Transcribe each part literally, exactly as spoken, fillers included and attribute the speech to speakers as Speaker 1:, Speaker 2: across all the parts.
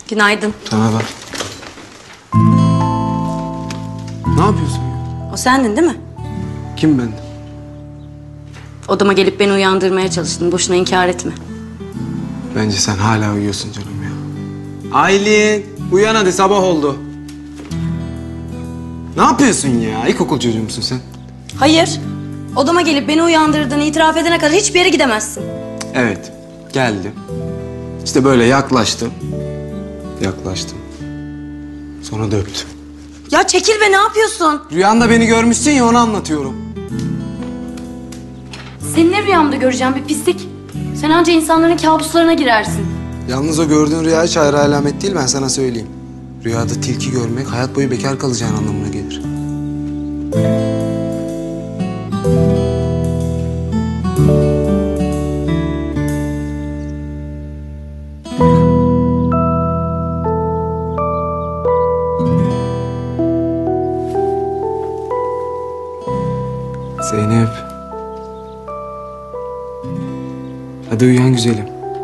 Speaker 1: Günaydın.
Speaker 2: Sana da. Ne yapıyorsun ya?
Speaker 1: O sendin değil mi?
Speaker 2: Kim ben?
Speaker 1: Odama gelip beni uyandırmaya çalıştın. Boşuna inkar etme.
Speaker 2: Bence sen hala uyuyorsun canım ya. Aylin, uyan hadi, sabah oldu. Ne yapıyorsun ya? İlkokul çocuğu musun sen?
Speaker 1: Hayır. Odama gelip beni uyandırdığını itiraf edene kadar hiçbir yere gidemezsin.
Speaker 2: Evet, geldim. İşte böyle yaklaştım. Yaklaştım. Sonra da öptüm.
Speaker 1: Ya çekil be, ne yapıyorsun?
Speaker 2: Rüyanda beni görmüşsün ya, onu anlatıyorum.
Speaker 1: Seni ne rüyamda göreceğim bir pislik? Sen anca insanların kabuslarına girersin.
Speaker 2: Yalnız o gördüğün rüya hiç hayra alamet değil, ben sana söyleyeyim. Rüyada tilki görmek hayat boyu bekar kalacağın anlamına gelir. Zeynep. Hadi uyan güzelim.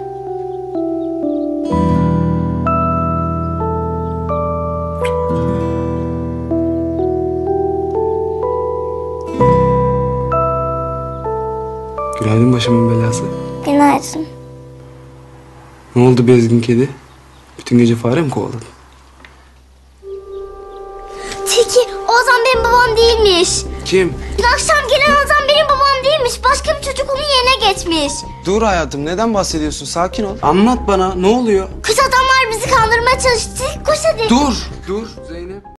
Speaker 2: Günaydın başımın belası.
Speaker 3: Günaydın.
Speaker 2: Ne oldu bezgin kedi? Bütün gece fare mi kovaladın?
Speaker 3: Tilki, o Ozan benim babam değilmiş.
Speaker 2: Kim?
Speaker 3: Dün akşam gelen Ozan benim babam değilmiş. Başka bir çocuk onun yerine geçmiş.
Speaker 2: Dur hayatım, neden bahsediyorsun? Sakin ol. Anlat bana, ne oluyor?
Speaker 3: Kız adamlar bizi kandırmaya çalıştı. Koş hadi.
Speaker 2: Dur, dur Zeynep.